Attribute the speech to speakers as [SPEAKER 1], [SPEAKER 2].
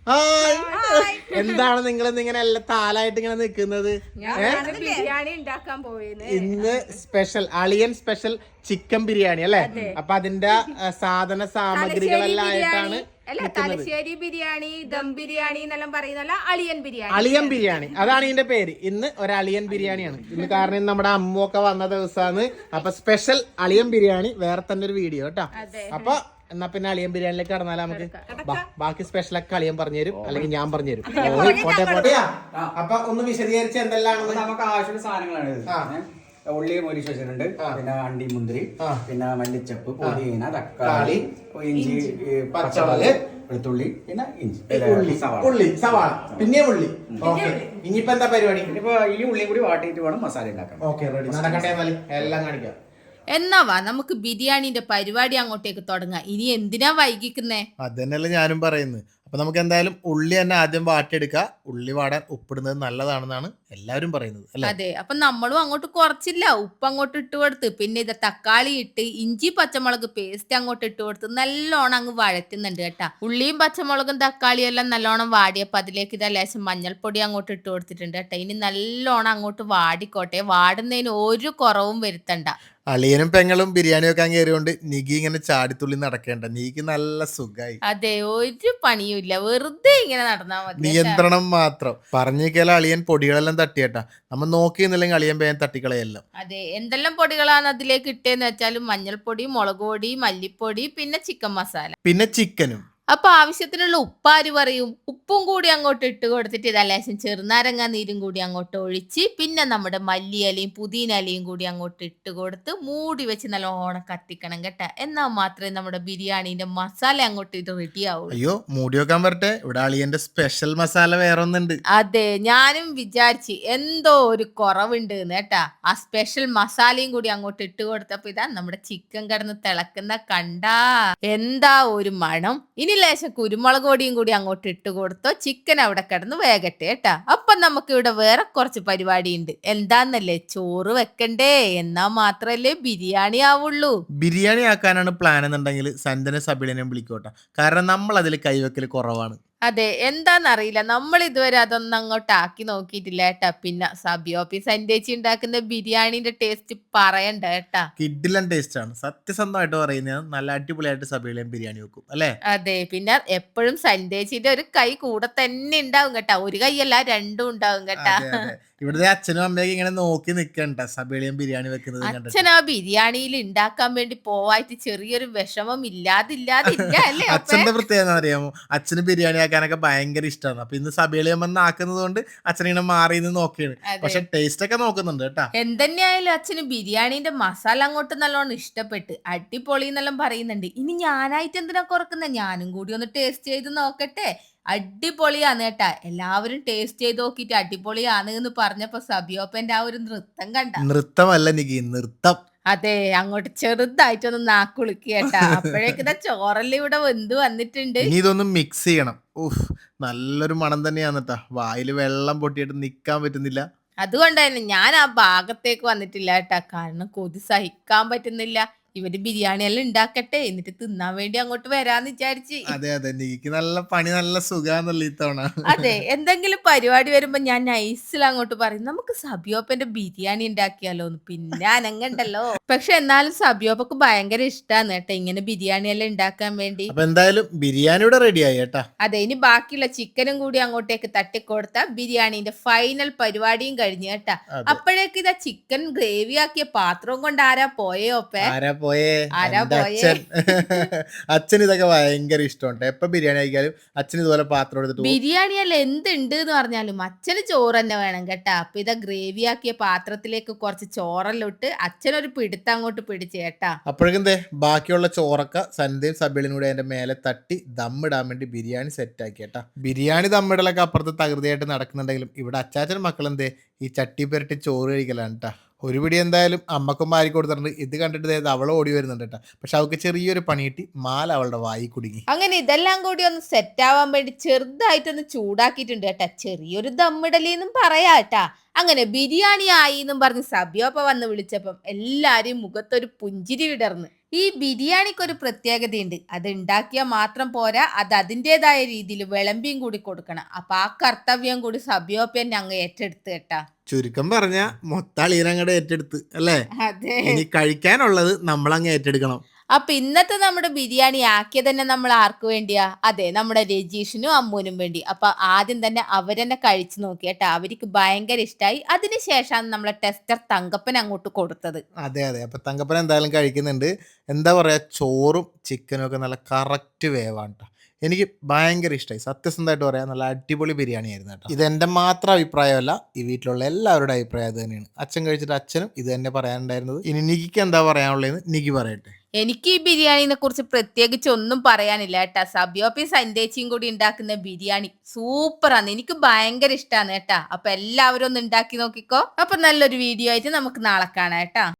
[SPEAKER 1] എന്താണ് നിങ്ങൾ ഇങ്ങനെ എല്ലാം താലായിട്ട് ഇങ്ങനെ നിൽക്കുന്നത്?
[SPEAKER 2] ബിരിയാണി ഉണ്ടാക്കാൻ പോയത്
[SPEAKER 1] ഇന്ന് സ്പെഷ്യൽ അളിയൻ സ്പെഷ്യൽ ചിക്കൻ ബിരിയാണി അല്ലെ? അപ്പൊ അതിന്റെ സാധന സാമഗ്രികളെല്ലാം ആയിട്ടാണ്
[SPEAKER 2] തലശ്ശേരി ബിരിയാണി, ദം ബിരിയാണി എന്നെല്ലാം പറയുന്നല്ല അളിയൻ ബിരിയാണി.
[SPEAKER 1] അളിയൻ ബിരിയാണി അതാണ് ഇതിന്റെ പേര്. ഇന്ന് ഒരു അളിയൻ ബിരിയാണിയാണ് ഇന്ന്. കാരണം നമ്മുടെ അമ്മൊക്കെ വന്ന ദിവസമാണ്. അപ്പൊ സ്പെഷ്യൽ അളിയൻ ബിരിയാണി വേറെ തന്നെ ഒരു വീഡിയോ കേട്ടോ. അപ്പൊ എന്നാ പിന്നെ അളിയൻ ബിരിയാണിയിലേക്ക് കടന്നാലോ നമുക്ക്? ബാക്കി സ്പെഷ്യലൊക്കെ അളിയൻ പറഞ്ഞുതരും, അല്ലെങ്കിൽ ഞാൻ പറഞ്ഞുതരും. അപ്പൊ ഒന്ന് വിശദീകരിച്ച് എന്തെല്ലാം
[SPEAKER 3] നമുക്ക് ആവശ്യമുള്ള സാധനങ്ങളാണ്. ഉള്ളി മൊരിച്ച് വെച്ചിട്ടുണ്ട്, പിന്നെ അണ്ടി മുന്തിരി, പിന്നെ മല്ലിച്ചപ്പ്, പുതിന, തക്കാളി, ഇഞ്ചി, പച്ചമുളക്, വെളുത്തുള്ളി, പിന്നെ ഇഞ്ചി,
[SPEAKER 1] ഉള്ളി, സവാള, പിന്നെ ഉള്ളി. ഓക്കെ, ഇനിയിപ്പോ എന്താ പരിപാടി?
[SPEAKER 3] ഇനിയിപ്പോ ഈ ഉള്ളിയും കൂടി വാട്ടിയിട്ട് വേണം മസാല ഉണ്ടാക്കാൻ.
[SPEAKER 1] Okay, ready. നടക്കട്ടെ, എല്ലാം കാണിക്കാം.
[SPEAKER 2] എന്നാവാ നമുക്ക് ബിരിയാണിന്റെ പരിപാടി അങ്ങോട്ടേക്ക് തുടങ്ങാം. ഇനി എന്തിനാ വൈകിക്കുന്നേ?
[SPEAKER 1] അതന്നെയല്ലേ ഞാനും പറയുന്നത്. അപ്പൊ നമുക്ക് എന്തായാലും ഉള്ളി തന്നെ ആദ്യം വാട്ടിയെടുക്കുക. ഉള്ളി വാടാൻ ഉപ്പിടുന്നത് നല്ലതാണെന്നാണ് എല്ലാവരും പറയുന്നത് അല്ലേ?
[SPEAKER 2] അതെ, അപ്പൊ നമ്മളും അങ്ങോട്ട് കുറച്ചില്ല, ഉപ്പ് അങ്ങോട്ട് ഇട്ട് കൊടുത്ത്, പിന്നെ ഇത് തക്കാളി ഇട്ട് ഇഞ്ചി പച്ചമുളക് പേസ്റ്റ് അങ്ങോട്ട് ഇട്ട് കൊടുത്ത് നല്ലോണം അങ്ങ് വഴറ്റുന്നുണ്ട് കേട്ടാ. ഉള്ളിയും പച്ചമുളകും തക്കാളിയും എല്ലാം നല്ലോണം വാടിയപ്പോ അതിലേക്ക് ഇതാ ലേശം മഞ്ഞൾപ്പൊടി അങ്ങോട്ട് ഇട്ട് കൊടുത്തിട്ടുണ്ട് കേട്ടാ. ഇനി നല്ലോണം അങ്ങോട്ട് വാടിക്കോട്ടെ, വാടുന്നതിന് ഒരു കുറവും വരുത്തണ്ട.
[SPEAKER 1] അളിയനും പെങ്ങളും ബിരിയാണി വെക്കാൻ കയറിയോണ്ട് നികി ഇങ്ങനെ ചാടിത്തുള്ളി നടക്കേണ്ട. നീക്ക് നല്ല സുഖായി.
[SPEAKER 2] അതെ, ഒരു പണിയും ഇല്ല, വെറുതെ ഇങ്ങനെ നടന്നാ മതി.
[SPEAKER 1] നിയന്ത്രണം മാത്രം. പറഞ്ഞേക്കാല അളിയൻ പൊടികളെല്ലാം തട്ടിയേട്ടാ. നമ്മൾ നോക്കിയെന്നില്ലെങ്കിൽ അളിയൻ പേൻ തട്ടിക്കളയല്ലോ.
[SPEAKER 2] അതെ, എന്തെല്ലാം പൊടികളാണ് അതിലേക്ക് ഇട്ടേന്ന് വെച്ചാലും മഞ്ഞൾപ്പൊടി, മുളക് പൊടി, മല്ലിപ്പൊടി, പിന്നെ ചിക്കൻ മസാല,
[SPEAKER 1] പിന്നെ ചിക്കനും.
[SPEAKER 2] അപ്പൊ ആവശ്യത്തിനുള്ള ഉപ്പാര് പറയും. ഉപ്പും കൂടി അങ്ങോട്ട് ഇട്ട് കൊടുത്തിട്ട് ഇതാ ലേശം ചെറുനാരങ്ങ നീരും കൂടി അങ്ങോട്ട് ഒഴിച്ച്, പിന്നെ നമ്മുടെ മല്ലിയിലയും പുതിന ഇലയും കൂടി അങ്ങോട്ട് ഇട്ട് കൊടുത്ത് മൂടി വെച്ച് നല്ലോണം കത്തിക്കണം കേട്ടാ. എന്നാൽ മാത്രമേ നമ്മുടെ ബിരിയാണിന്റെ മസാല അങ്ങോട്ട് ഇത് റെഡി ആവുള്ളൂ.
[SPEAKER 1] അയ്യോ, മൂടി വെക്കാൻ വരട്ടെ, ഇവിടെ അളിയന്റെ സ്പെഷ്യൽ മസാല വേറെ ഒന്നുണ്ട്.
[SPEAKER 2] അതെ, ഞാനും വിചാരിച്ച് എന്തോ ഒരു കുറവുണ്ട് കേട്ടാ. ആ സ്പെഷ്യൽ മസാലയും കൂടി അങ്ങോട്ട് ഇട്ട് കൊടുത്തപ്പോ ഇതാ നമ്മുടെ ചിക്കൻ കിടന്ന് തിളക്കുന്ന കണ്ടാ എന്താ ഒരു മണം. ഇനി ലേശം കുരുമുളക് പൊടിയും കൂടി അങ്ങോട്ട് ഇട്ട് കൊടുത്തോ, ചിക്കൻ അവിടെ കിടന്ന് വേഗട്ടെ കേട്ടാ. അപ്പൊ നമുക്ക് ഇവിടെ വേറെ കുറച്ച് പരിപാടി ഉണ്ട്. എന്താന്നല്ലേ, ചോറ് വെക്കണ്ടേ, എന്നാ മാത്രല്ലേ ബിരിയാണി ആവുള്ളൂ.
[SPEAKER 1] ബിരിയാണി ആക്കാനാണ് പ്ലാൻ എന്നുണ്ടെങ്കിൽ സന്ദന സബിളിനെ വിളിക്കോട്ടെ. കാരണം നമ്മൾ അതിൽ കൈവെക്കൽ കുറവാണ്.
[SPEAKER 2] അതെ, എന്താന്നറിയില്ല, നമ്മൾ ഇതുവരെ അതൊന്നും അങ്ങോട്ട് ആക്കി നോക്കിയിട്ടില്ല കേട്ടാ. പിന്നെ സബിയോപ്പി സന്ദേശി ഉണ്ടാക്കുന്ന ബിരിയാണിന്റെ ടേസ്റ്റ് പറയണ്ട കേട്ടാ.
[SPEAKER 1] കിഡിലൻ ടേസ്റ്റ് ആണ്, സത്യസന്ധമായിട്ട് പറയുന്നത്. നല്ല അടിപൊളിയായിട്ട് സബിളിയും ബിരിയാണി വെക്കും അല്ലേ?
[SPEAKER 2] അതെ, പിന്നെ എപ്പോഴും സന്ദേശിന്റെ ഒരു കൈ കൂടെ തന്നെ ഉണ്ടാവും കേട്ടാ. ഒരു കൈയല്ല, രണ്ടും ഉണ്ടാവും കേട്ടാ.
[SPEAKER 1] ഇവിടുത്തെ അച്ഛനും അമ്മയൊക്കെ ഇങ്ങനെ നോക്കി നിക്കണ്ട സബിളിയും ബിരിയാണി വെക്കുന്നത്.
[SPEAKER 2] അച്ഛൻ ആ ബിരിയാണിയിൽ ഉണ്ടാക്കാൻ വേണ്ടി പോവായിട്ട് ചെറിയൊരു വിഷമം ഇല്ലാതില്ല അല്ലേ?
[SPEAKER 1] അച്ഛന്റെ പ്രത്യേകത അറിയാമോ? അച്ഛന് ബിരിയാണി ആക്കാനൊക്കെ ഭയങ്കര ഇഷ്ടമാണ്. അപ്പൊ ഇന്ന് സബിളിയം വന്ന് ആക്കുന്നത് കൊണ്ട് അച്ഛനിങ്ങനെ മാറി നിന്ന് നോക്കിയാണ്. പക്ഷെ ടേസ്റ്റ് ഒക്കെ നോക്കുന്നുണ്ട് കേട്ടാ.
[SPEAKER 2] എന്തെന്നെയായാലും അച്ഛന് ബിരിയാണിന്റെ മസാല അങ്ങോട്ട് നല്ലോണം ഇഷ്ടപ്പെട്ട് അടിപൊളി എന്നെല്ലാം പറയുന്നുണ്ട്. ഇനി ഞാനായിട്ട് എന്തിനാ കുറക്കുന്ന, ഞാനും കൂടി ഒന്ന് ടേസ്റ്റ് ചെയ്ത് നോക്കട്ടെ. അടിപൊളിയാന്ന് കേട്ടാ. എല്ലാവരും ടേസ്റ്റ് ചെയ്ത് നോക്കിട്ട് അടിപൊളിയാണ് എന്ന് പറഞ്ഞപ്പോ സബിയോപ്പന്റെ ആ ഒരു നൃത്തം കണ്ട.
[SPEAKER 1] നൃത്തമല്ല നികി, നൃത്തം.
[SPEAKER 2] അതെ, അങ്ങോട്ട് ചെറുതായിട്ടൊന്ന് നാക്കുളുക്കി കേട്ടാ. അപ്പോഴേക്കിതാ ചോറെല്ലാം ഇവിടെ വെന്ത് വന്നിട്ടുണ്ട്.
[SPEAKER 1] ഇനി ഇതൊന്ന് മിക്സ് ചെയ്യണം. നല്ലൊരു മണം തന്നെയാണ് കേട്ടാ. വായിൽ വെള്ളം പൊട്ടിയിട്ട് നിക്കാൻ പറ്റുന്നില്ല.
[SPEAKER 2] അതുകൊണ്ട് തന്നെ ഞാൻ ആ ഭാഗത്തേക്ക് വന്നിട്ടില്ല കേട്ടാ. കാരണം കൊതി സഹിക്കാൻ പറ്റുന്നില്ല. ഇവര് ബിരിയാണി എല്ലാം ഉണ്ടാക്കട്ടെ, എന്നിട്ട് തിന്നാൻ വേണ്ടി അങ്ങോട്ട് വരാന്ന് വിചാരിച്ച്.
[SPEAKER 1] അതെ അതെ, നീക്ക് നല്ല പണി, നല്ല സുഖാന്നല്ല ഇത്തവണ.
[SPEAKER 2] അതെ, എന്തെങ്കിലും പരിപാടി വരുമ്പോ ഞാൻ നൈസിൽ അങ്ങോട്ട് പറയും, നമുക്ക് സബിയോപ്പന്റെ ബിരിയാണി ഉണ്ടാക്കിയാലോന്ന്. പിന്നെ അനങ്ങണ്ടല്ലോ. പക്ഷെ എന്നാലും സബിയോപ്പക്ക് ഭയങ്കര ഇഷ്ടാന്ന് കേട്ടാ ഇങ്ങനെ ബിരിയാണി എല്ലാം ഉണ്ടാക്കാൻ വേണ്ടി.
[SPEAKER 1] അപ്പൊ എന്തായാലും ബിരിയാണിയുടെ റെഡി ആയി കേട്ടാ.
[SPEAKER 2] അതെ, ഇനി ബാക്കിയുള്ള ചിക്കനും കൂടി അങ്ങോട്ടേക്ക് തട്ടിക്കൊടുത്ത ബിരിയാണിന്റെ ഫൈനൽ പരിപാടിയും കഴിഞ്ഞു കേട്ടാ. അപ്പോഴേക്ക് ഇതാ ചിക്കൻ ഗ്രേവി ആക്കിയ പാത്രവും കൊണ്ട് ആരാ പോയോപ്പേ?
[SPEAKER 1] അച്ഛൻ ഇതൊക്കെ ഭയങ്കര ഇഷ്ടമുണ്ട്. എപ്പൊ ബിരിയാണി കഴിക്കാലും അച്ഛൻ ഇതുപോലെ പാത്രം എടുത്തിട്ട്.
[SPEAKER 2] ബിരിയാണി അല്ല എന്തുണ്ട് എന്ന് പറഞ്ഞാലും അച്ഛന് ചോറ് തന്നെ വേണം കേട്ടാ. അപ്പൊ ഇതാ ഗ്രേവി ആക്കിയ പാത്രത്തിലേക്ക് കുറച്ച് ചോറെല്ലാം ഇട്ട് അച്ഛനൊരു പിടുത്തം അങ്ങോട്ട് പിടിച്ച് കേട്ടാ.
[SPEAKER 1] അപ്പോഴേക്കും ബാക്കിയുള്ള ചോറൊക്കെ സന്ധ്യയും സബിളിനും കൂടെ അതിന്റെ മേലെ തട്ടി ദമ്മിടാൻ വേണ്ടി ബിരിയാണി സെറ്റ് ആക്കി കേട്ടാ. ബിരിയാണി ദമ്മിടലൊക്കെ അപ്പുറത്ത് തകൃതിയായിട്ട് നടക്കുന്നുണ്ടെങ്കിലും ഇവിടെ അച്ചാച്ചൻ മക്കളെന്തേ ഈ ചട്ടി പുരട്ടി ചോറ് കഴിക്കലാണ് കേട്ടാ. ഒരു പിടി എന്തായാലും അമ്മക്കും മാരി കൊടുത്തിട്ടുണ്ട്. ഇത് കണ്ടിട്ട് അവൾ ഓടി വരുന്നുണ്ട് കേട്ടോ. പക്ഷെ അവൾക്ക് ചെറിയൊരു പണി കിട്ടി, മാല അവളുടെ വായി കുടുങ്ങി.
[SPEAKER 2] അങ്ങനെ ഇതെല്ലാം കൂടി ഒന്ന് സെറ്റ് ആവാൻ വേണ്ടി ചെറുതായിട്ടൊന്ന് ചൂടാക്കിയിട്ടുണ്ട് കേട്ടാ. ചെറിയൊരു ദമ്മിടലിന്നും പറയാ കേട്ടാ. അങ്ങനെ ബിരിയാണി ആയി എന്നും പറഞ്ഞ് സബിയോപ്പ വന്ന് വിളിച്ചപ്പം എല്ലാരും മുഖത്തൊരു പുഞ്ചിരി വിടർന്ന്. ഈ ബിരിയാണിക്ക് ഒരു പ്രത്യേകതയുണ്ട്. അത് ഉണ്ടാക്കിയാൽ മാത്രം പോരാ, അത് അതിൻ്റെതായ രീതിയിൽ വിളമ്പിയും കൂടി കൊടുക്കണം. അപ്പൊ ആ കർത്തവ്യം കൂടി സബിയോപ്പൻ അങ്ങ് ഏറ്റെടുത്ത് കേട്ടാ.
[SPEAKER 1] ചുരുക്കം പറഞ്ഞ മൊത്താളീനങ്ങടെ ഏറ്റെടുത്ത് അല്ലേ?
[SPEAKER 2] അതെ.
[SPEAKER 1] ഇനി കഴിക്കാനുള്ളത് നമ്മളങ്ങ് ഏറ്റെടുക്കണം.
[SPEAKER 2] അപ്പൊ ഇന്നത്തെ നമ്മുടെ ബിരിയാണി ആക്കിയത് തന്നെ നമ്മൾ ആർക്ക് വേണ്ടിയാ? അതെ, നമ്മുടെ രജീഷിനും അമ്മൂനും വേണ്ടി. അപ്പൊ ആദ്യം തന്നെ അവരെന്നെ കഴിച്ചു നോക്കി കേട്ടാ. അവർക്ക് ഭയങ്കര ഇഷ്ടമായി. അതിനുശേഷമാണ് നമ്മളെ ടെസ്റ്റർ തങ്കപ്പൻ അങ്ങോട്ട് കൊടുത്തത്.
[SPEAKER 1] അതെ അതെ. അപ്പൊ തങ്കപ്പൻ എന്തായാലും കഴിക്കുന്നുണ്ട്. എന്താ പറയാ, ചോറും ചിക്കനും ഒക്കെ നല്ല കറക്റ്റ് വേവാണ് ട്ടോ. എനിക്ക് ഭയങ്കര ഇഷ്ടമായി. സത്യസന്ധമായിട്ട് പറയാം, നല്ല അടിപൊളി ബിരിയാണി ആയിരുന്നു കേട്ടോ. ഇതെൻ്റെ മാത്രം അഭിപ്രായമല്ല, ഈ വീട്ടിലുള്ള എല്ലാവരുടെ അഭിപ്രായം അത് തന്നെയാണ്. അച്ഛൻ കഴിച്ചിട്ട് അച്ഛനും ഇത് തന്നെ പറയാനുണ്ടായിരുന്നത്. ഇനി നികിക്ക് എന്താ പറയാനുള്ളതെന്ന് നികി പറയട്ടെ.
[SPEAKER 2] എനിക്ക് ഈ ബിരിയാണിനെ കുറിച്ച് പ്രത്യേകിച്ച് ഒന്നും പറയാനില്ല കേട്ടാ. സബിയോപ്പി സന്ദേശിയും കൂടി ഉണ്ടാക്കുന്ന ബിരിയാണി സൂപ്പറാണ്. എനിക്ക് ഭയങ്കര ഇഷ്ടമാണ് കേട്ടാ. അപ്പൊ എല്ലാവരും ഒന്ന് ഉണ്ടാക്കി നോക്കിക്കോ. അപ്പൊ നല്ലൊരു വീഡിയോ ആയിട്ട് നമുക്ക് നാളെ കാണാം കേട്ടാ.